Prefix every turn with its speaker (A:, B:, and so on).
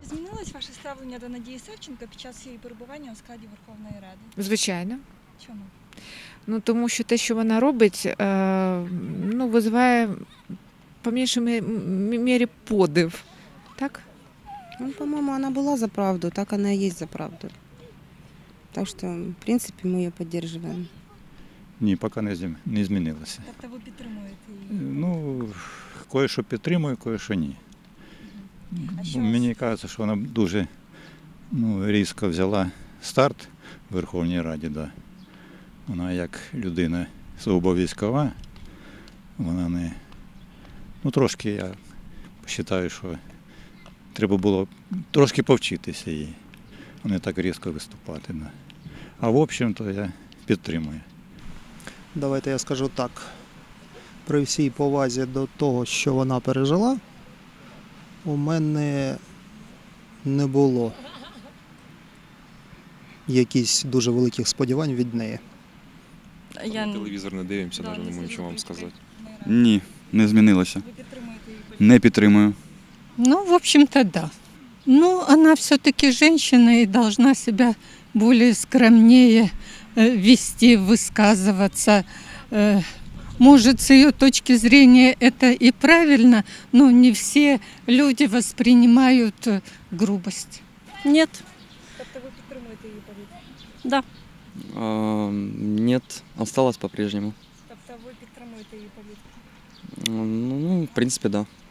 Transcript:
A: Змінилось ваше ставлення до Надії Савченко під час її перебування у складі Верховної Ради?
B: Звичайно.
A: Чому?
B: Ну, тому що те, що вона робить, визиває по меншій мірі подив. Так?
C: Ну, по-моему, она была за правду, так она и есть за правду. Так что, в принципе, мы ее поддерживаем.
D: Ні, поки не змінилося.
A: Тобто ви підтримуєте її?
D: Ну, кое-що підтримую, кое-що ні.
A: А що
D: Мені кажеться, що вона дуже різко взяла старт в Верховній Раді. Да. Вона як людина сугубо військова, вона не... Ну, трошки я вважаю, що треба було трошки повчитися їй, а не так різко виступати. Да. А в общем-то я підтримую.
E: Давайте я скажу так. При всій повазі до того, що вона пережила, у мене не було якихось дуже великих сподівань від неї.
F: Телевізор не дивимося, навіть не можу нічого вам сказати.
G: Ні, не змінилося.
A: Ви підтримуєте її?
G: Не підтримую.
H: Ну, в общем-то, да. Ну, она все-таки женщина и должна себя более скромнее вести, высказываться. Может, с ее точки зрения это и правильно, но не все люди воспринимают грубость.
I: Нет,
A: Тобто ви підтримуєте її політику?
I: да.
J: Нет, осталось по-прежнему.
A: Тобто ви підтримуєте її політику?
J: Ну, в принципе, да.